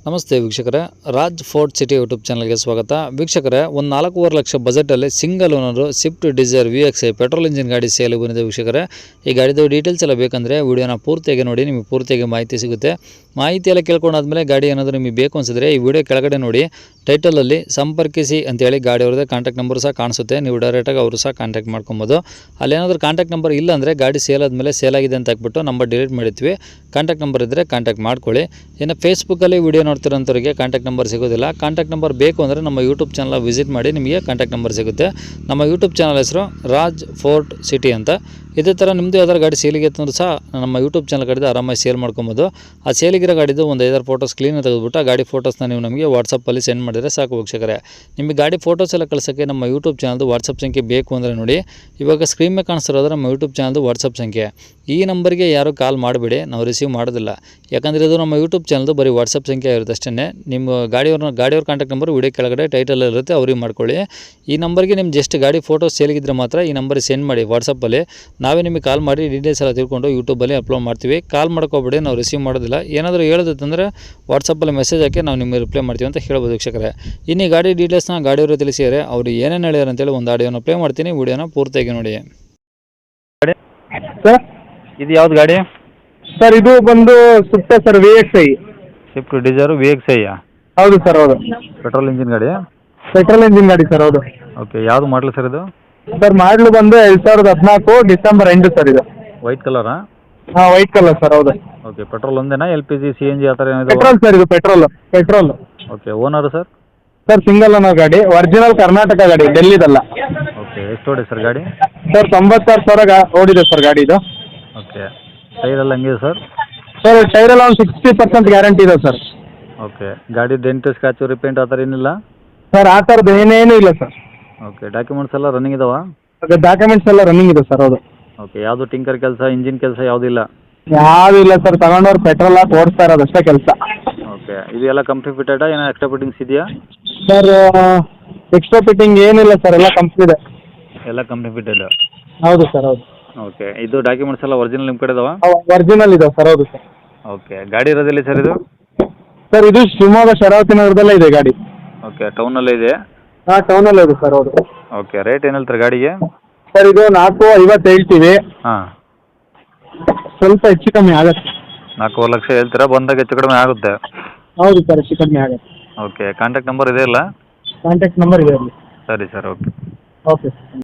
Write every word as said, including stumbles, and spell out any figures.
ನಮಸ್ತೆ ವೀಕ್ಷಕರೇ, Raj fort city YouTube ಚಾನಲ್ಗೆ ಸ್ವಾಗತ. ವೀಕ್ಷಕರೇ, ಒಂದು ನಾಲ್ಕೂವರೆ ಲಕ್ಷ ಬಜೆಟಲ್ಲಿ single owner Swift Dzire V X I petrol engine ಗಾಡಿ ಸೇಲ್ ಬಂದಿದೆ. ವೀಕ್ಷಕರೇ, ಈ ಗಾಡಿದು ಡೀಟೇಲ್ಸ್ ಎಲ್ಲ ಬೇಕಂದರೆ ವಿಡಿಯೋನ ಪೂರ್ತಿಯಾಗಿ ನೋಡಿ, ನಿಮಗೆ ಪೂರ್ತಿಯಾಗಿ ಮಾಹಿತಿ ಸಿಗುತ್ತೆ. ಮಾಹಿತಿ ಎಲ್ಲ ಕೇಳ್ಕೊಂಡಾದ್ಮೇಲೆ ಗಾಡಿ ಏನಾದರೂ ನಿಮಗೆ ಬೇಕು ಅನಿಸಿದ್ರೆ ಈ ವಿಡಿಯೋ ಕೆಳಗಡೆ ನೋಡಿ ಟೈಟಲಲ್ಲಿ ಸಂಪರ್ಕಿಸಿ ಅಂತೇಳಿ ಗಾಡಿ ಅವ್ರದ್ದೇ ಕಾಂಟ್ಯಾಕ್ಟ್ ನಂಬರ್ ಸಹ ಕಾಣಿಸುತ್ತೆ. ನೀವು ಡೈರೆಕ್ಟಾಗಿ ಅವರು ಸಹ ಕಾಂಟ್ಯಾಕ್ಟ್ ಮಾಡ್ಕೊಬೋದು. ಅಲ್ಲೇನಾದರೂ ಕಾಂಟ್ಯಾಕ್ಟ್ ನಂಬರ್ ಇಲ್ಲ ಅಂದರೆ ಗಾಡಿ ಸೇಲ್ ಆದಮೇಲೆ ಸೇಲ್ ಆಗಿದೆ ಅಂತ ಹಾಕ್ಬಿಟ್ಟು ನಂಬರ್ ಡಿಲೀಟ್ ಮಾಡಿರ್ತೀವಿ. ಕಾಂಟ್ಯಾಕ್ಟ್ ನಂಬರ್ ಇದ್ದರೆ ಕಾಂಟ್ಯಾಕ್ಟ್ ಮಾಡ್ಕೊಳ್ಳಿ. ಇನ್ನು ಫೇಸ್ಬುಕ್ಕಲ್ಲಿ ವಿಡಿಯೋ ನೋಡ್ತಿರೋಂಥವ್ರಿಗೆ ಕಾಂಟ್ಯಾಕ್ಟ್ ನಂಬರ್ ಸಿಗೋದಿಲ್ಲ. ಕಾಂಟ್ಯಾಕ್ಟ್ ನಂಬರ್ ಬೇಕು ಅಂದರೆ ನಮ್ಮ ಯೂಟ್ಯೂಬ್ ಚಾನಲ್ ವಿಸಿಟ್ ಮಾಡಿ, ನಿಮಗೆ ಕಾಂಟ್ಯಾಕ್ಟ್ ನಂಬರ್ ಸಿಗುತ್ತೆ. ನಮ್ಮ ಯೂಟ್ಯೂಬ್ ಚಾನಲ್ ಹೆಸರು ರಾಜ್ ಫೋರ್ಟ್ ಸಿಟಿ ಅಂತ. ಇದೇ ಥರ ನಿಮ್ಮದು ಯಾವ್ದಾರು ಗಾಡಿ ಸೇಲಿಗೆ ಅಂತಂದ್ರೂ ಸಹ ನಮ್ಮ ಯೂಟ್ಯೂಬ್ ಚಾನಲ್ ಕಡೆದು ಆರಾಮಾಗಿ ಸೇಲ್ ಮಾಡ್ಕೊಬೋದು. ಆ ಸೇಲಿಗಿರೋ ಗಾಡಿದು ಒಂದು ಐದಾರು ಫೋಟೋಸ್ ಕ್ಲೀನಾಗಿ ತೆಗೆದುಬಿಟ್ಟು ಆ ಗಾಡಿ ಫೋಟೋಸ್ನ ನೀವು ನಮಗೆ ವಾಟ್ಸಪ್ಪಲ್ಲಿ ಸೆಂಡ್ ಮಾಡಿದರೆ ಸಾಕು ವೀಕ್ಷಕರೇ. ನಿಮಗೆ ಗಾಡಿ ಫೋಟೋಸ್ ಎಲ್ಲ ಕಳ್ಸೋಕ್ಕೆ ನಮ್ಮ ಯೂಟ್ಯೂಬ್ ಚಾನಲ್ದು ವಾಟ್ಸಪ್ ಸಂಖ್ಯೆ ಬೇಕು ಅಂದರೆ ನೋಡಿ, ಇವಾಗ ಸ್ಕ್ರೀನ್ ಮೇಲೆ ಕಾಣಿಸ್ತಿರೋದು ನಮ್ಮ ಯೂಟ್ಯೂಬ್ ಚಾನಲ್ದು ವಾಟ್ಸಪ್ ಸಂಖ್ಯೆ. ಈ ನಂಬರ್ಗೆ ಯಾರು ಕಾಲ್ ಮಾಡಬೇಡಿ, ನಾವು ರಿಸೀವ್ ಮಾಡೋದಿಲ್ಲ. ಯಾಕಂದರೆ ಇದು ನಮ್ಮ ಯೂಟ್ಯೂಬ್ ಚಾನಲ್ದು ಬರೀ ವಾಟ್ಸಪ್ ಸಂಖ್ಯೆ ಇರುತ್ತೆ ಅಷ್ಟೇ. ನಿಮ್ಮ ಗಾಡಿಯವ್ರನ್ನ ಗಾಡಿಯವ್ರ ಕಾಂಟ್ಯಾಕ್ಟ್ ನಂಬರ್ ವಿಡಿಯೋ ಕೆಳಗಡೆ ಟೈಟಲ್ ಇರುತ್ತೆ, ಅವ್ರಿಗೆ ಮಾಡ್ಕೊಳ್ಳಿ. ಈ ನಂಬರ್ಗೆ ನಿಮ್ಮ ಜಸ್ಟ್ ಗಾಡಿ ಫೋಟೋಸ್ ಸೇಲಿಗಿದ್ರೆ ಮಾತ್ರ ಈ ನಂಬರಿಗೆ ಸೆಂಡ್ ಮಾಡಿ ವಾಟ್ಸಪ್ಪಲ್ಲಿ. ನಾವೇ ನಿಮಗೆ ಕಾಲ್ ಮಾಡಿ ಡೀಟೇಲ್ಸ್ ಎಲ್ಲ ತಿಳ್ಕೊಂಡು ಯೂಟ್ಯೂಬಲ್ಲಿ ಅಪ್ಲೋಡ್ ಮಾಡ್ತೀವಿ. ಕಾಲ್ ಮಾಡ್ಕೋಬೇಡಿ, ನಾವು ರಿಸೀವ್ ಮಾಡೋದಿಲ್ಲ. ಏನಾದರೂ ಹೇಳೋದಂದರೆ ವಾಟ್ಸಪ್ಪಲ್ಲಿ ಮೆಸೇಜ್ ಹಾಕಿ ನಾವು ನಿಮಗೆ ರಿಪ್ಲೈ ಮಾಡ್ತೀವಿ ಅಂತ ಹೇಳ್ಬೋದು ವೀಕ್ಷಕರೇ. ಇನ್ನು ಈ ಗಾಡಿ ಡೀಟೇಲ್ಸ್ನ ಗಾಡಿಯವರು ತಿಳಿಸಿದರೆ ಅವರು ಏನೇನು ಹೇಳ್ಯಾರ ಅಂತೇಳಿ ಒಂದು ಆಡಿಯೋನ ಪ್ಲೇ ಮಾಡ್ತೀನಿ, ವಿಡಿಯೋನ ಪೂರ್ತಿಯಾಗಿ ನೋಡಿ. ಸರ್, ಇದು ಯಾವ್ದು ಗಾಡಿ ಸರ್ ಇದು ಬಂದು Swift sir, V X I. Swift Dzire V X I ಹೌದು ಸರ್, ಹೌದು. ಪೆಟ್ರೋಲ್ ಇಂಜಿನ್ ಗಾಡಿ. ಪೆಟ್ರೋಲ್ ಇಂಜಿನ್ ಗಾಡಿ ಸರ್, ಹೌದು. ಓಕೆ, ಯಾವುದು ಮಾಡಲು ಸರ್ ಇದು? ಸರ್ ಮಾಡಲು ಬಂದು ಎರಡು ಸಾವಿರದ ಹದಿನಾಲ್ಕು ಡಿಸೆಂಬರ್ ಎಂಟು ಸರ್ ಇದು. ವೈಟ್ ಕಲರಾ? ಹಾಂ, ವೈಟ್ ಕಲರ್ ಸರ್, ಹೌದು. ಓಕೆ, ಪೆಟ್ರೋಲ್ ಒಂದೇನಾ, L P G C N G ಆ ಥರ ಏನಿದೆ? ಪೆಟ್ರೋಲ್ ಸರ್, ಇದು petrol petrol okay, owner sir? Sir single owner ಗಾಡಿ, ಒರಿಜಿನಲ್ ಕರ್ನಾಟಕ ಗಾಡಿ, ಡೆಲ್ಲಿದಲ್ಲ. ಓಕೆ, ಎಷ್ಟು ಓಡಿ ಸರ್ ಗಾಡಿ? ಸರ್ ತೊಂಬತ್ತಾರು ಸಾವಿರ ಗಾ ಓಡಿದೆ ಸರ್ ಗಾಡಿ ಇದು. ಓಕೆ, ಟೈರ್ ಎಲ್ಲ ಹಂಗಿದೆ ಸರ್? ಸರ್ ಟೈರ್ ಎಲ್ಲ ಒಂದು ಸಿಕ್ಸ್ಟಿ ಪರ್ಸೆಂಟ್ ಗ್ಯಾರಂಟಿ ಇದೆ ಸರ್. ಓಕೆ, ಗಾಡಿ ಡೆಂಟ್ ಸ್ಕ್ರಾಚು ರಿಪೇಂಟ್ ಆ ಥರ ಏನಿಲ್ಲ? ಸರ್ ಆ ಥರದ್ದು ಏನೇನೂ ಇಲ್ಲ ಸರ್. ಓಕೆ, ಡಾಕ್ಯುಮೆಂಟ್ಸ್ ಎಲ್ಲ ರನ್ನಿಂಗ್ ಇದಾವಾ? ಅದೇ ಡಾಕ್ಯುಮೆಂಟ್ಸ್ ಎಲ್ಲ ರನ್ನಿಂಗ್ ಇದೆ ಸರ್, ಹೌದು. ಓಕೆ, ಯಾವುದು ಟಿಂಕರ್ ಕೆಲಸ, ಇಂಜಿನ್ ಕೆಲಸ ಯಾವುದಿಲ್ಲ? ಯಾವುದೂ ಇಲ್ಲ ಸರ್, ತಗೊಂಡವ್ರು ಪೆಟ್ರೋಲ್ ಹಾಕಿ ಓಡಿಸ್ತಾ ಇರೋದು ಅಷ್ಟೇ ಕೆಲಸ. ಓಕೆ, ಇದು ಎಲ್ಲ ಕಂಪ್ನಿ ಫಿಟೆಡಾ, ಏನೋ ಎಕ್ಸ್ಟ್ರಾ ಫಿಟ್ಟಿಂಗ್ಸ್ ಇದೆಯಾ? ಸರ್ ಎಕ್ಸ್ಟ್ರಾ ಫಿಟ್ಟಿಂಗ್ ಏನಿಲ್ಲ ಸರ್, ಎಲ್ಲ ಕಂಪ್ನಿ ಇದೆ. ಎಲ್ಲ ಕಂಪ್ನಿ ಫಿಟೆಡ್? ಹೌದು ಸರ್, ಹೌದು. ಓಕೆ, ಇದು ಡಾಕ್ಯುಮೆಂಟ್ಸ್ ಎಲ್ಲ ಒರಿಜಿನಲ್ ನಿಮ್ಮ ಕಡೆ ಇದಾವಾ? ಒರಿಜಿನಲ್ ಇದೆ ಸರ್, ಹೌದು ಸರ್. ಓಕೆ, ಗಾಡಿ ಇರೋದಿಲ್ಲ ಸರ್ ಇದು? ಸರ್ ಇದು ಶಿವಮೊಗ್ಗ ಶರಾವತಿ ನಗರದಲ್ಲೇ ಇದೆ ಗಾಡಿ. ಓಕೆ, ಟೌನಲ್ಲೇ ಇದೆ? ಹಾಂ, ಟೌನಲ್ಲೇ ಇದೆ ಸರ್, ಹೌದು. ಓಕೆ, ರೇಟ್ ಏನು ಹೇಳ್ತಾರೆ ಗಾಡಿಗೆ? ಸರ್ ಇದು ನಾಲ್ಕು ಐವತ್ತು ಹೇಳ್ತೀವಿ. ಹಾಂ, ಸ್ವಲ್ಪ ಹೆಚ್ಚು ಕಮ್ಮಿ ಆಗುತ್ತೆ. ನಾಲ್ಕೂವರೆ ಲಕ್ಷ ಹೇಳ್ತೀರಾ, ಬಂದಾಗ ಹೆಚ್ಚು ಕಡಿಮೆ ಆಗುತ್ತೆ? ಹೌದು ಸರ್, ಹೆಚ್ಚು ಕಮ್ಮಿ ಆಗುತ್ತೆ. ಓಕೆ, ಕಾಂಟ್ಯಾಕ್ಟ್ ನಂಬರ್ ಇದೆ ಅಲ್ಲ? ಕಾಂಟ್ಯಾಕ್ಟ್ ನಂಬರ್ ಇದೆ ಅಲ್ಲಿ. ಸರಿ ಸರ್, ಓಕೆ. Okay sir.